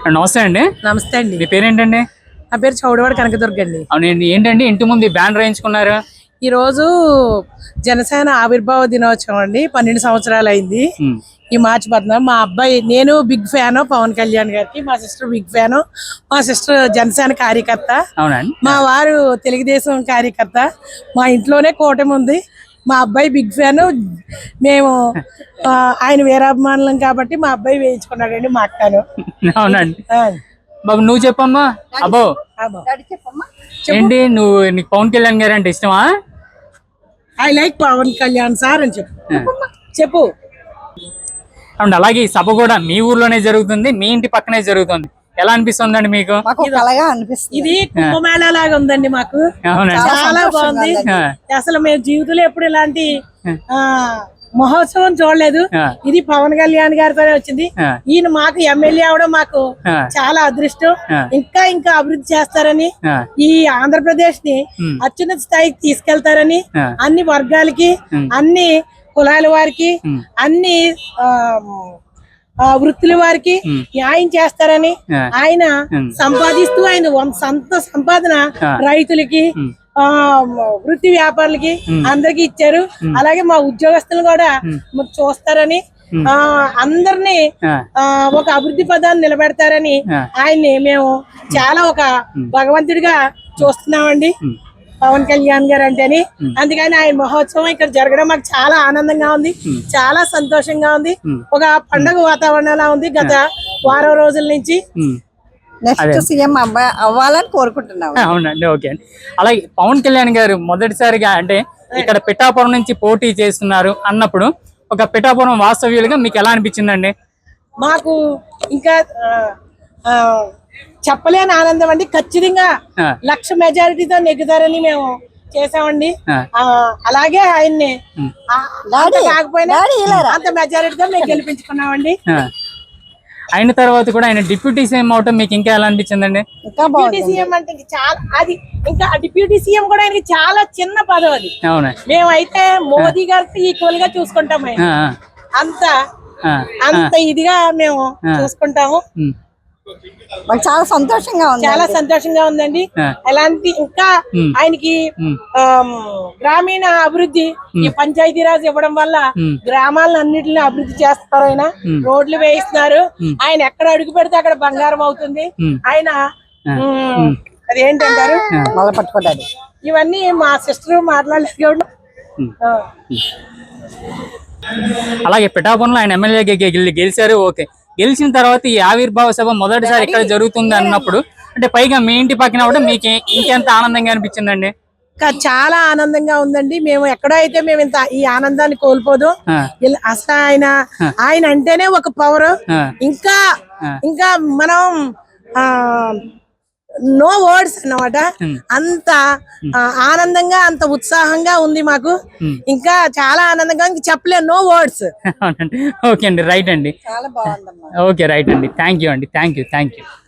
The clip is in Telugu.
నమస్తే అండి. నమస్తే అండి. మీ పేరేంటండి? నా పేరు చౌడవాడ కనకదుర్గ అండి. అవునండి. ఏంటండి ఇంటి ముందు బ్యానర్ వేయించుకున్నారు? ఈ రోజు జనసేన ఆవిర్భావ దినోత్సవం అండి. 12 సంవత్సరాలు అయింది. ఈ మార్చి 14. మా అబ్బాయి, నేను బిగ్ ఫ్యాన్ పవన్ కళ్యాణ్ గారికి, మా సిస్టర్ బిగ్ ఫ్యాన్, మా సిస్టర్ జనసేన కార్యకర్త, మా వారు తెలుగుదేశం కార్యకర్త. మా ఇంట్లోనే కూటమి ఉంది. మా అబ్బాయి బిగ్ ఫ్యాన్, మేము ఆయన వీరాభిమానులం కాబట్టి మా అబ్బాయి వేయించుకున్నాడండి. మా అక్కను. అవునండి. బాబు నువ్వు చెప్పమ్మా. అబ్బో ఏంటి నీకు పవన్ కళ్యాణ్ గారు అంటే ఇష్టమా? I like Pawan Kalyan sir అని చెప్పు. అండ్ అలాగే ఈ సభ కూడా మీ ఊర్లోనే జరుగుతుంది, మీ ఇంటి పక్కనే జరుగుతుంది. ఎలా అనిపిస్తుందండి మీకు? ఇది కుంభమేళా లాగా ఉందండి మాకు. చాలా బాగుంది. అసలు మేము జీవితంలో ఎప్పుడు ఇలాంటి మహోత్సవం చూడలేదు. ఇది పవన్ కళ్యాణ్ గారితోనే వచ్చింది. ఈయన మాకు ఎమ్మెల్యే అవడం మాకు చాలా అదృష్టం. ఇంకా అభివృద్ధి చేస్తారని, ఈ ఆంధ్రప్రదేశ్ ని అత్యున్నత స్థాయికి తీసుకెళ్తారని, అన్ని వర్గాలకి, అన్ని కులాల వారికి, అన్ని వృత్తుల వారికి న్యాయం చేస్తారని, ఆయన సంపాదిస్తూ ఆయన సొంత సంపాదన రైతులకి, వృత్తి వ్యాపారులకి అందరికి ఇచ్చారు. అలాగే మా ఉద్యోగస్తులు కూడా చూస్తారని, అందరినీ ఒక అభివృద్ధి పదాన్ని నిలబెడతారని ఆయన్ని మేము చాలా ఒక భగవంతుడిగా చూస్తున్నామండి, పవన్ కళ్యాణ్ గారు అంటేని. అందుకని ఆయన మహోత్సవం ఇక్కడ జరగడం మాకు చాలా ఆనందంగా ఉంది, చాలా సంతోషంగా ఉంది. ఒక పండగ వాతావరణంలా ఉంది గత వారం రోజుల నుంచి. నెక్స్ట్ సీఎం అవ్వాలని కోరుకుంటున్నాం. అవునండి. ఓకే అండి. అలాగే పవన్ కళ్యాణ్ గారు మొదటిసారిగా అంటే ఇక్కడ పిఠాపురం నుంచి పోటీ చేస్తున్నారు అన్నప్పుడు ఒక పిఠాపురం వాస్తవ్యులుగా మీకు ఎలా అనిపించిందండి? మాకు ఇంకా చెప్పలేని ఆనందం అండి. ఖచ్చితంగా 1,00,000 మెజారిటీతో నెగ్గుతారని మేము చేసామండి. అలాగే ఆయన్ని కాకపోయినా అంత మెజారిటీతో మేము గెలిపించుకున్నామండి. అయిన తర్వాత కూడా ఆయన డిప్యూటీ సీఎం అవటం మీకు ఇంకా ఎలా అనిపించిందండి? డిప్యూటీ సీఎం అంటే చాలా అది ఇంకా డిప్యూటీ సీఎం కూడా ఆయనకి చాలా చిన్న పదవి అది. మేమైతే మోదీ గారికి ఈక్వల్ గా చూసుకుంటాము. అంత ఇదిగా మేము చూసుకుంటాము. మాకు చాలా సంతోషంగా ఉందండి. ఎలాంటి ఇంకా ఆయనకి గ్రామీణ అభివృద్ధి, ఈ పంచాయతీరాజ్ ఇవ్వడం వల్ల గ్రామాలను అన్నిటిని అభివృద్ధి చేస్తారు. ఆయన రోడ్లు వేయిస్తున్నారు. ఆయన ఎక్కడ అడుగు పెడితే అక్కడ బంగారం అవుతుంది. ఆయన అదేంటంటారు మళ్ళీ పట్టుకోవడానికి ఇవన్నీ మా సిస్టర్ మాట్లాడలేదు. అలాగే పిఠాపురంలో ఆయన ఎమ్మెల్యేగా గెలిచారు. ఓకే, గెలిచిన తర్వాత ఈ ఆవిర్భావ సభ మొదటిసారి ఇక్కడ జరుగుతుంది అన్నప్పుడు అంటే పైగా మీ ఇంటి పక్కన కూడా మీకు ఇంకెంత ఆనందంగా అనిపించిందండి? చాలా ఆనందంగా ఉందండి. మేము ఎక్కడో అయితే మేము ఇంత ఈ ఆనందాన్ని కోల్పోదు. అసలు ఆయన అంటేనే ఒక పవర్. ఇంకా మనం నో వర్డ్స్ అన్నమాట. అంత ఆనందంగా, అంత ఉత్సాహంగా ఉంది మాకు. ఇంకా చాలా ఆనందంగా చెప్పలేదు, నో వర్డ్స్. ఓకే అండి, రైట్ అండి. చాలా బాగుందమ్మా. ఓకే, రైట్ అండి. థ్యాంక్ యూ అండి. Thank you.